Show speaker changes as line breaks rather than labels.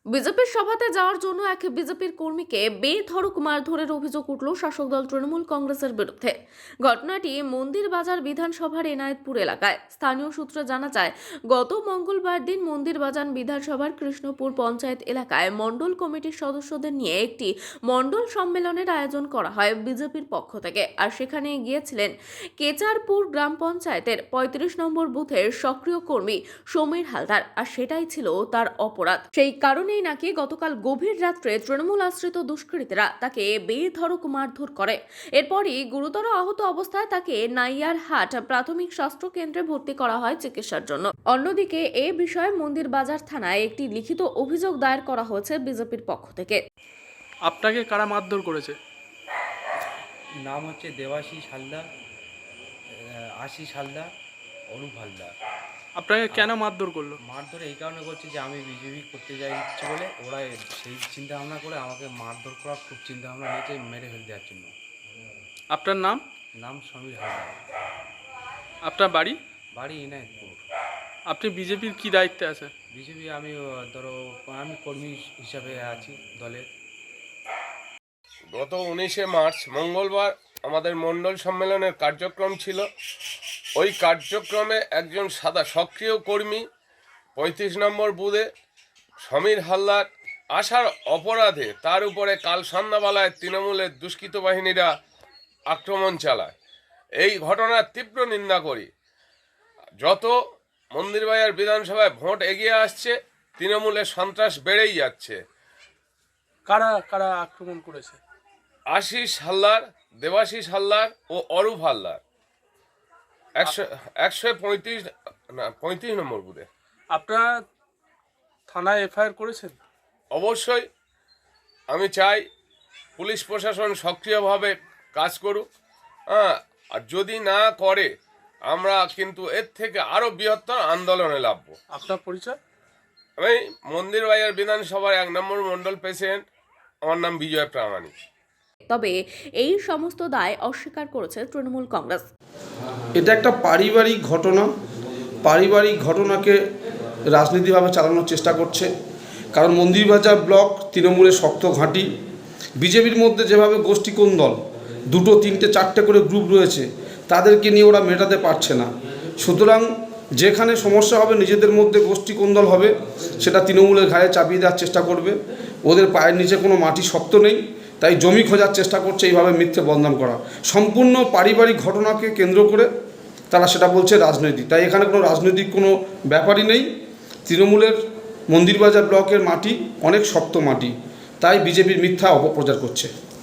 বিজেপির সভাতে যাওয়ার জন্য এক বিজেপির কর্মীকে বেধড়ক মারধরের অভিযোগ উঠল শাসক দল তৃণমূল কংগ্রেসের বিরুদ্ধে। ঘটনাটি মন্দির বাজার বিধানসভার এনায়েতপুর এলাকায়। স্থানীয় সূত্রে জানা যায়, গত মঙ্গলবার দিন মন্দির বাজার বিধানসভার কৃষ্ণপুর পঞ্চায়েত এলাকায় মণ্ডল কমিটির সদস্যদের নিয়ে একটি মণ্ডল সম্মেলনের আয়োজন করা হয় বিজেপির পক্ষ থেকে। আর সেখানে গিয়েছিলেন কেচারপুর গ্রাম পঞ্চায়েতের ৩৫ নম্বর বুথের সক্রিয় কর্মী সমীর হালদার। আর সেটাই ছিল তার অপরাধ। সেই কারণেই নাকি গতকাল গভীর রাত্রে তৃণমূল আশ্রিত দুষ্কৃতীরা তাকে বেধড়ক মারধর করে। এরপরই গুরুতর আহত অবস্থায় তাকে নাইয়ারহাট প্রাথমিক স্বাস্থ্য কেন্দ্রে ভর্তি করা হয় চিকিৎসার জন্য। অন্যদিকে এ বিষয়ে মন্দির বাজার থানায় একটি লিখিত অভিযোগ দায়ের করা হয়েছে বিজেপির পক্ষ থেকে।
আপনাকে কারা মারধর করেছে?
নাম হচ্ছে দেবাশিস হালদার, আশিস হালদার, অরূপ হালদার।
আপনাকে কেন মারধর করলো?
মারধর এই কারণে করছে যে আমি বিজেপি করতে যাই ইচ্ছে বলে, ওরা সেই চিন্তা ভাবনা করে আমাকে মারধর করার খুব চিন্তা ভাবনা নিয়েছে, মেরে ফেলে দেওয়ার জন্য।
আপনার নাম?
নাম সমীর হালদার।
আপনার বাড়ি?
বাড়ি এনায়েতপুর।
আপনি বিজেপির কি দায়িত্বে আছে?
বিজেপি আমি আমি কর্মী হিসাবে আছি দলের।
গত 19শে মার্চ মঙ্গলবার আমাদের মণ্ডল সম্মেলনের কার্যক্রম ছিল। ওই কার্যক্রমে একজন সক্রিয় কর্মী 35 নম্বর বুথে সমীর হালদার আসার অপরাধে তার উপরে কাল সন্ধ্যাবেলায় তৃণমূলের দুষ্কৃত বাহিনীরা আক্রমণ চালায়। এই ঘটনার তীব্র নিন্দা করি। যত মন্দিরবাজার বিধানসভায় ভোট এগিয়ে আসছে, তৃণমূলের সন্ত্রাস বেড়েই যাচ্ছে।
কারা কারা আক্রমণ করেছে?
আশিস হালদার, দেবাশিস হালদার ও অরূপ হালদার 135 নম্বর বুথে।
আপনারা থানায় এফআইআর করেছেন?
অবশ্যই আমি চাই পুলিশ প্রশাসন সক্রিয়ভাবে কাজ করুক। আর যদি না করে আমরা কিন্তু এর থেকে আরও বৃহত্তর আন্দোলনে নামবো।
আপনার পরিচয়?
আমি মন্দিরবাজার বিধানসভার 1 নম্বর মণ্ডল প্রেসিডেন্ট। আমার নাম বিজয় প্রামাণিক।
তবে এই সমস্ত দায় অস্বীকার করেছে তৃণমূল কংগ্রেস।
এটা একটা পারিবারিক ঘটনা। পারিবারিক ঘটনাকে রাজনীতিভাবে চালানোর চেষ্টা করছে। কারণ মন্দিরবাজার ব্লক তৃণমূলের শক্ত ঘাঁটি। বিজেপির মধ্যে যেভাবে গোষ্ঠী কোন্দল, 2, 3, 4টে করে গ্রুপ রয়েছে, তাদেরকে নিয়ে ওরা মেটাতে পারছে না। সুতরাং যেখানে সমস্যা হবে, নিজেদের মধ্যে গোষ্ঠী কোন্দল হবে, সেটা তৃণমূলের ঘাড়ে চাপিয়ে দেওয়ার চেষ্টা করবে। ওদের পায়ের নিচে কোনো মাটি শক্ত নেই, তাই জমি খোঁজার চেষ্টা করছে, এইভাবে মিথ্যে বদনাম করা। সম্পূর্ণ পারিবারিক ঘটনাকে কেন্দ্র করে তারা সেটা বলছে রাজনৈতিক। তাই এখানে কোনো রাজনৈতিক কোনো ব্যাপারই নেই। তৃণমূলের মন্দিরবাজার ব্লকের মাটি অনেক শক্ত মাটি, তাই বিজেপির মিথ্যা অপপ্রচার করছে।